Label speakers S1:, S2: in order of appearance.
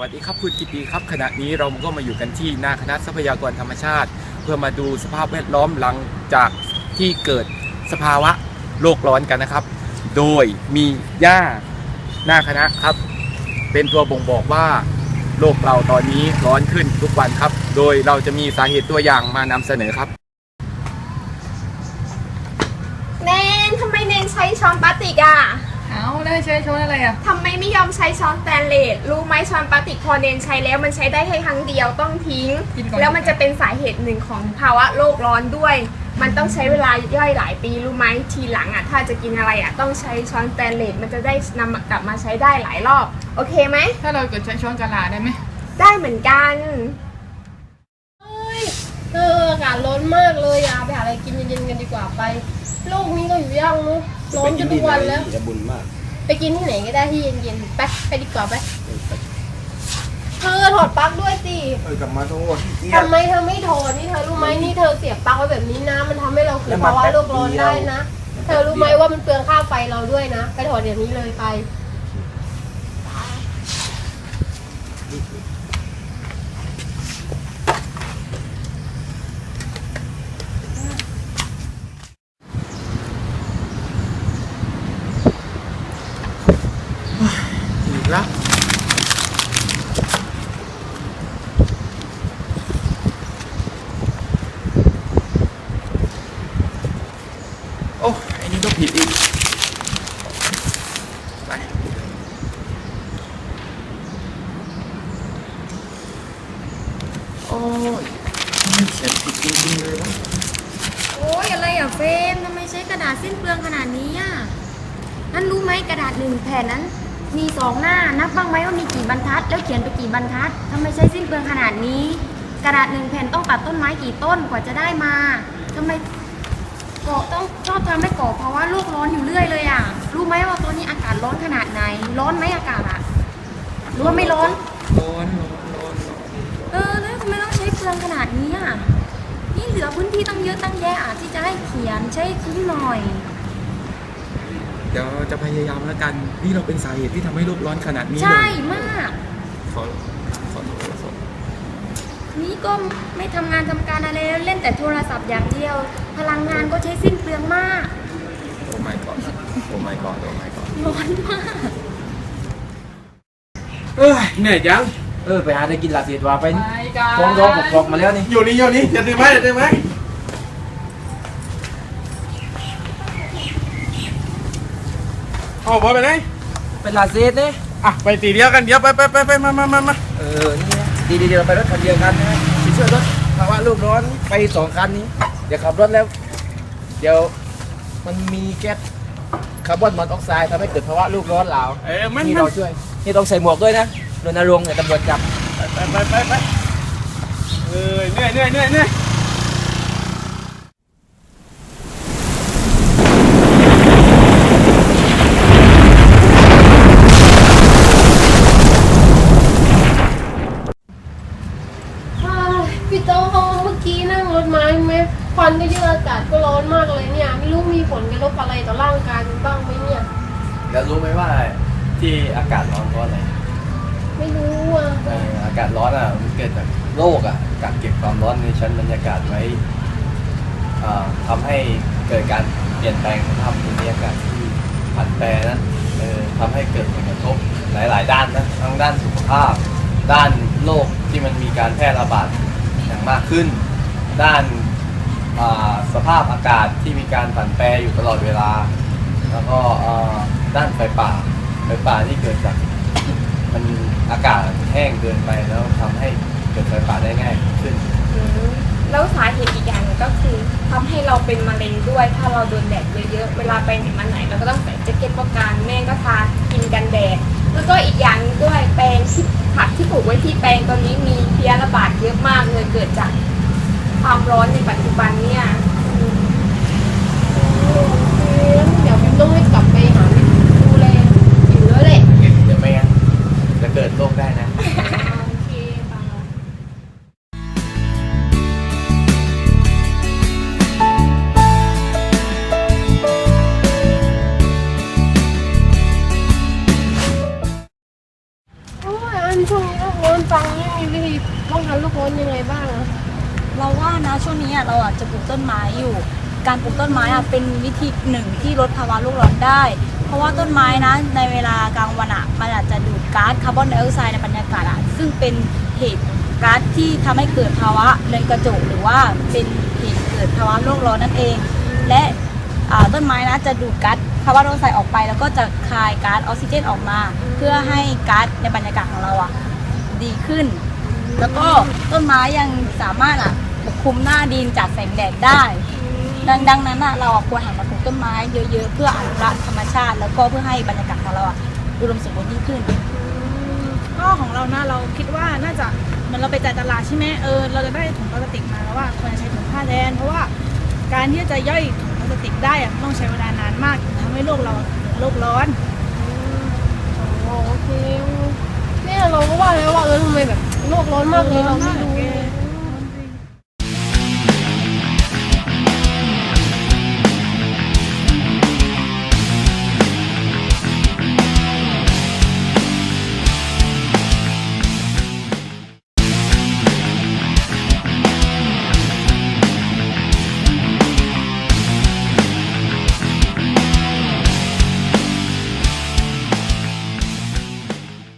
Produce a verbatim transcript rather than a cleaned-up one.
S1: วัสดีครับคุณกิติครับขณะนี้เราก็มาอยู่กันที่หน้าคณะทรัพยากรธรรมชาติเพื่อมาดูสภาพแวดล้อมหลังจากที่เกิดสภาวะโลกร้อนกันนะครับโดยมีหญ้าหน้าคณะครับเป็นตัวบ่งบอกว่าโลกเราตอนนี้ร้อนขึ้นทุกวันครับโดยเราจะมีสาเหตุตัวอย่างมานำเสนอครับ
S2: เนนทำไมเนนใช้ช้อนพลาสติกอ่ะ
S3: เอาได้ใช้ช้อนอะไรอ่ะ
S2: ทำไมไม่ยอมใช้ช้อนสแตนเลสรู้ไหมช้อนพลาสติกพอเนนใช้แล้วมันใช้ได้แค่ครั้งเดียวต้องทิ้งแล้วมันจะเป็นสาเหตุหนึ่งของภาวะโลกร้อนด้วยมันต้องใช้เวลาย่อยหลายปีรู้ไหมทีหลังอ่ะถ้าจะกินอะไรอ่ะต้องใช้ช้อนสแตนเลสมันจะได้นำกลับมาใช้ได้หลายรอบโอเคไหม
S3: ถ้าเราเกิดใช้ช้อนกะลาได้ไหม
S2: ได้เหมือนกัน
S4: เฮ้ยเอออากาศร้อนมากเลยอ่ะไปหาอะไรกินเย็นๆกันดีกว่าไปโลกนี้ก็อยู่ย่างเนาะร้อนจนทุกวันแล้ว
S5: จะบุญมาก
S4: ไปกินที่ไหนก็ได้ที่เย็นๆไปไปดีกว่าไปเธอถอดปลั๊กด้วยสิ
S5: เออกลับมาโทษ
S4: ทำไมเธอไม่ถอดนี่เธอรู้ไหมนี่เธอเสียบปลั๊กไว้แบบนี้นะมันทำให้เราเกิดภาวะโลกร้อนได้นะเธอรู้ไหมว่ามันเปลืองค่าไฟเราด้วยนะไปถอดเดี๋ยวนี้เลยไป
S1: อีกแล้วโอ้ไอ้นี่ก็ผิดอีกไปโอ้ยเขียนผิดจริงๆเลยวะ
S6: โอ้ยอะไรอ่ะเฟรมทำไมใช้กระดาษสิ้นเปลืองขนาดนี้อ่ะนั่นรู้ไหมกระดาษหนึ่งแผ่นนั้นมีสองหน้านับบ้างไหมว่ามีกี่บรรทัดแล้วเขียนไปกี่บรรทัดทำไมใช้สิ้นเปลืองขนาดนี้กระดาษหนึ่งแผ่นต้องตัดต้นไม้กี่ต้นกว่าจะได้มาทำไมเกาะต้องชอบทำให้เกาะเพราะว่าโลกร้อนอยู่เรื่อยเลยอ่ะรู้ไหมว่าตอนนี้อากาศร้อนขนาดไหนร้อนไหมอากาศอ่ะหรือว่าไม่ร้อน
S1: ร้อนร้อนร้อน
S6: เออแล้วทำไมต้องใช้เปลืองขนาดนี้อ่ะนี่เหลือพื้นที่ตั้งเยอะตั้งแยะอ่ะที่จะให้เขียนใช้คุ้มหน่อย
S1: เดี๋ยวจะพยายามแล้วกันนี่เราเป็นสาเหตุที่ทำให้โลกร้อนขนาดนี้เลย
S6: ใช่มาก
S1: ขอขอโทษขอ
S6: นี่ก็ไม่ทำงานทำการอะไรเล่นแต่โทรศัพท์อย่างเดียวพลังงานก็ใช้สิ้นเปลืองมาก
S1: โอ้ my god โอ้ my god โอ้ my god
S6: ร้อนมาก
S1: เอ้ยเหนื่อยจังเออไปหาได้กินลาเสียดว่าไปฟ้องร้องปกครองมาแล้วนี่
S5: อยู่นี่อยู่นี่จะดื่มไหมจะดื่มไหมเอาบอลไปไหน
S1: เป็นลาเซียดนี่
S5: อ่ะไปตีเดียวกันเดี๋ยวไปไปไปไปมามามามา
S1: เออนี่ดีดีเดี๋ยวไปรถคันเดียวกันนะไปช่วยรถภาวะโลกร้อนไปสองคันนี้เดี๋ยวขับรถแล้วเดี๋ยวมันมีแก๊สคาร์บอนมอนอกไซด์ทำให้เกิดภาวะโลกร้อนเหลา
S5: เออมัน
S1: นี่เราช่วยนี่ต้องใส่หมวกด้วยนะรณรงค์เนี่ยตำรวจจับ
S5: ไปไปไปไปเออเหนื่อยเหนื่อยเหนื่อยเหนื่อย
S4: พี่โต้เมื่อกี้นั่งรถมาใช่ไหมควันก็เยอะอากาศก็ร้อนมากเลยเนี่ยไม่รู้มีผลกระทบอะไรต่อร่างกายบ้างไหมเนี่ย
S5: แล้วรู้ไหมว่าที่อากาศร้อนเพราะอะไร
S4: ไม่รู้อ่ะ
S5: อากาศร้อนอ่ะมันเกิดจากโลกอ่ะกักเก็บความร้อนในชั้นบรรยากาศไว้ทำให้เกิดการเปลี่ยนแปลงสภาพภูมิอากาศที่ผันแปรนะทำให้เกิดผลกระทบหลายๆด้านนะทั้งด้านสุขภาพด้านโรคที่มันมีการแพร่ระบาดอย่างมากขึ้นด้านสภาพอากาศที่มีการผันแปรอยู่ตลอดเวลาแล้วก็ด้านไฟป่าไฟป่าที่เกิดจากมันอากาศแห้งเกินไปแล้วทำให้เกิดไฟป่าได้ง่ายขึ้น
S2: แล้วสาเหตุอีกอย่างนึงก็คือทำให้เราเป็นมะเร็งด้วยถ้าเราโดนแดดเยอะๆเวลาไปไหนมาไหนเราก็ต้องใส่แจ็คเก็ตป้องกันแม่ก็ทากินกันแดดแล้วก็อีกอย่างนึงด้วยแปลงที่ผักที่ปลูกไว้ที่แปลงตอนนี้มีเพลี้ยระบาดเยอะมากเลยเกิดจากความร้อนในปัจจุบันเนี่ย
S4: เดี๋ยวพิมต้องให้กลับไปหาดูแลอยู่แล้วแหละ
S5: เดี๋ยวไม่งั้นจะเกิดโรคได้นะ
S4: โอเคป่ะโอ้ยอันช่วงนี้
S7: นะช่วงนี้อะเราอาจจะปลูกต้นไม้อยู่ การปลูกต้นไม้อะเป็นวิธีหนึ่งที่ลดภาวะโลกร้อนได้ เพราะว่าต้นไม้นะในเวลากลางวันอะมันอาจจะดูดก๊าซคาร์บอนไดออกไซด์ในบรรยากาศอะซึ่งเป็นเหตุก๊าซที่ทำให้เกิดภาวะเรือนกระจกหรือว่าเป็นเหตุเกิดภาวะโลกร้อนนั่นเอง และอ่าต้นไม้นะจะดูดก๊าซคาร์บอนไดออกไซด์ออกไปแล้วก็จะคายก๊าซออกซิเจนออกมา เพื่อให้ก๊าซในบรรยากาศของเราอะดีขึ้น แล้วก็ต้นไม้ยังสามารถอะปกคลุมหน้าดินจากแสงแดดได้ ดังดังนั้นอะเราอะควรหันมาปลูกต้นไม้เยอะๆเพื่ออนุรักษ์ธรรมชาติ แล้วก็เพื่อให้บรรยากาศของเราอะอุดมสมบูรณ์ยิ่งขึ้น
S8: ก็ของเรานะเราคิดว่าน่าจะเหมือนเราไปจ่ายตลาดใช่ไหมเออเราจะได้ถุงพลาสติกมาแล้วว่าควรจะใช้ถุงผ้าแทนเพราะว่าการที่จะย่อยถุงพลาสติกได้อะมันต้องใช้เวลานานมากทำให้โลกเราโลกร้อน
S4: โอเคเนี่ยเราก็ว่าแล้วว่าเออทำไมแบบโลกร้อนมากเลยเราไม่รู้